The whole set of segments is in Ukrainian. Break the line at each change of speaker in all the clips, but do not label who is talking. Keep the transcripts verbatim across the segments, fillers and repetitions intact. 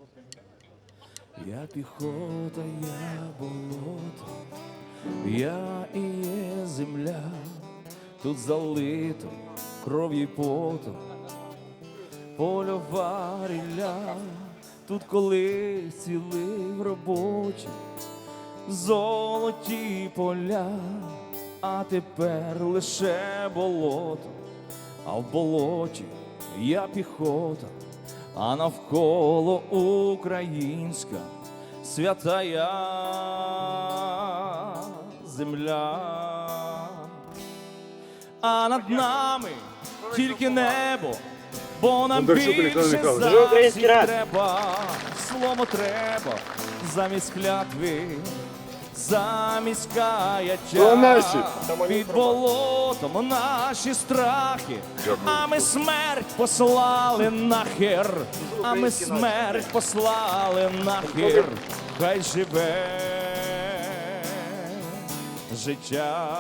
Я піхота, я болото, я і є земля, тут залито кров'ю й потом, польова рілля, тут колись цілив робочий, золоті поля, а тепер лише болото, а в болоті я піхота, а навколо українська святая земля. А над нами тільки небо, бо нам більше засіб треба, слово треба замість клятви, замість каяття. Під болотом наші страхи, а ми смерть послали нахер, а ми смерть послали нахер. Хай живе життя.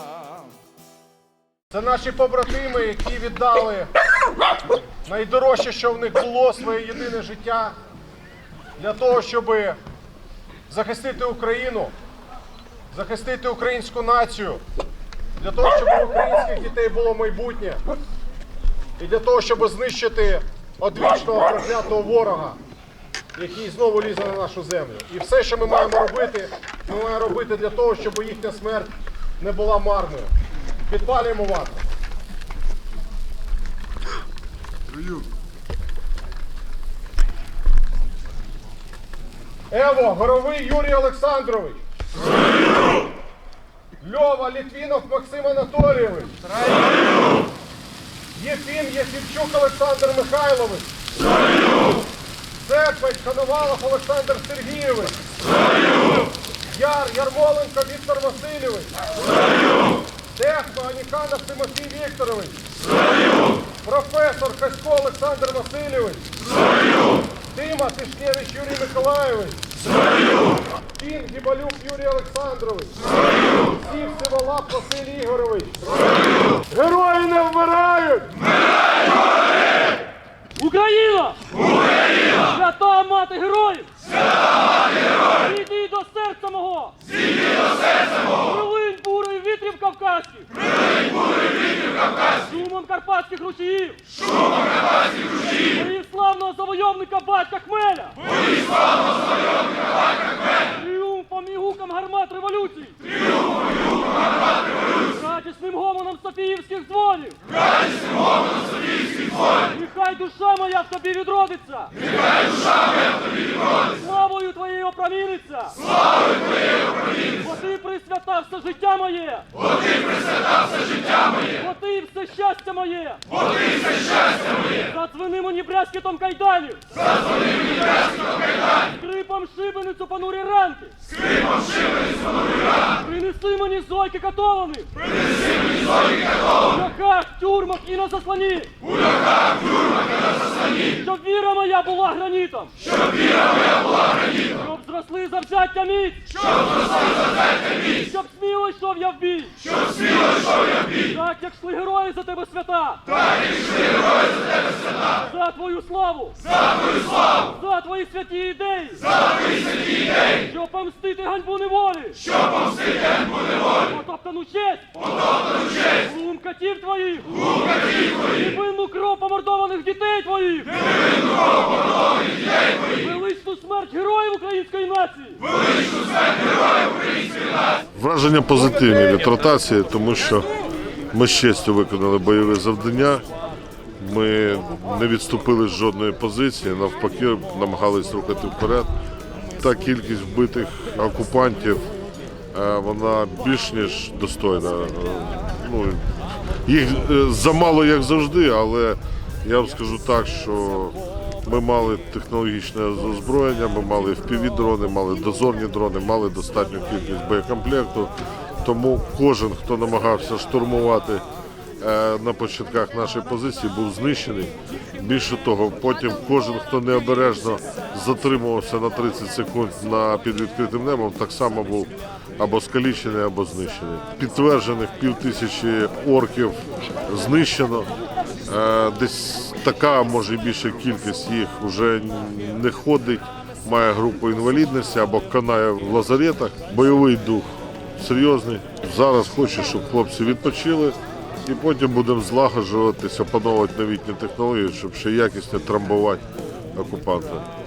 Це наші побратими, які віддали найдорожче, що в них було, своє єдине життя для того, щоб захистити Україну, захистити українську націю, для того, щоб у українських дітей було майбутнє і для того, щоб знищити одвічного проклятого ворога, який знову лізе на нашу землю. І все, що ми маємо робити, ми маємо робити для того, щоб їхня смерть не була марною. Підпалюємо вату. Ево, Горовий Юрій Олександрович. Строю! Льова Літвінов Максим Анатолійович. Строю! Єфім Єфімчук Олександр Михайлович. Строю! Серпець Коновалов Олександр Сергійович. Строю! Яр Ярмоленко Віктор Васильович. Строю! Техно Аніканов Тимофій Вікторович. Строю! Професор Хасько Олександр Васильович. Строю! Тима Тишкевич Юрій Миколайович. Строю! Кін Гібалюк Юрій Олександрович. Строю! Сів Сиволап Василь Ігорович. Строю! Герої не вмирають!
Вмирають! Україна! Україна! Свята мати героїв! Свята мати героїв! Зійди до серця мого! Зійди до серця мого! Прилинь бурою вітрів кавказьких! Прилинь бурою вітрів кавказьких! Шумом карпатських ручіїв! Шумом карпатських ручіїв! Боїв славного завойовника батька Хмеля! Боїв славного завойовника батька Хмеля! Тріумфом і гуком гармат революції! Тріумфом і гуком гармат революції! Радісним гомоном Софіївських дзвонів! Радісним гомоном Софіївських дзвонів! Нехай душа моя в тобі відродиться! Нехай душа моя в тобі відродиться! Славою твоєю опроміниться! Славою твоєю опроміниться! Бо ти присвятав все життя моє! Бо ти присвятав все життя моє! Бо ти все щастя моє! Бо ти все щастя моє! Задзвени мені брязкітом кайданів! Задзвени мені брязкітом кайданів! Скрипом шибеницю понурі ранки! Скрипом шибеницю понурі ранки! Принеси мені зойки катованих! Принеси мені зойки катованих! В льохах, тюрмах і на заслоні! У льохах, тюрмах і на заслоні! Щоб віра моя була гранітом! Щоб віра моя була гранітом! Щоб зросли завзяття міць! Щоб зросли завзяття міць! Щоб сміло йшов я в бій! Щоб сміло йшов я в бій! Так, як йшли герої за тебе свята! Так, як йшли герої за тебе свята! За твою славу! За твою славу! За твої святі ідеї! За твої святі ідеї! Щоб помстити ганьбу неволі! Щоб помстити ганьбу неволі! Потоптану честь! Потоптану честь! Глум катів твоїх! Глум катів твоїх! Невинну кров помордованих дітей твоїх! Невинну кров помордованих дітей твоїх! Величну смерть героїв української нації! Величну смерть героїв української нації!
Враження позитивні від ротації, тому що ми з честю виконали бойове завдання. Ми не відступили з жодної позиції, навпаки, намагались рухати вперед. Та кількість вбитих окупантів, вона більш ніж достойна. Ну, їх замало, як завжди, але я вам скажу так, що ми мали технологічне озброєння, ми мали еф пі ві-дрони, мали дозорні дрони, мали достатню кількість боєкомплекту. Тому кожен, хто намагався штурмувати на початках нашої позиції, був знищений. Більше того, потім кожен, хто необережно затримувався на тридцять секунд на під відкритим небом, так само був або скалічений, або знищений. Підтверджених півтисячі орків знищено, десь така, може і більша кількість їх вже не ходить, має групу інвалідності або канає в лазаретах. Бойовий дух серйозний. Зараз хочу, щоб хлопці відпочили і потім будемо злагоджуватися, опановувати новітні технології, щоб ще якісно трамбувати окупанта.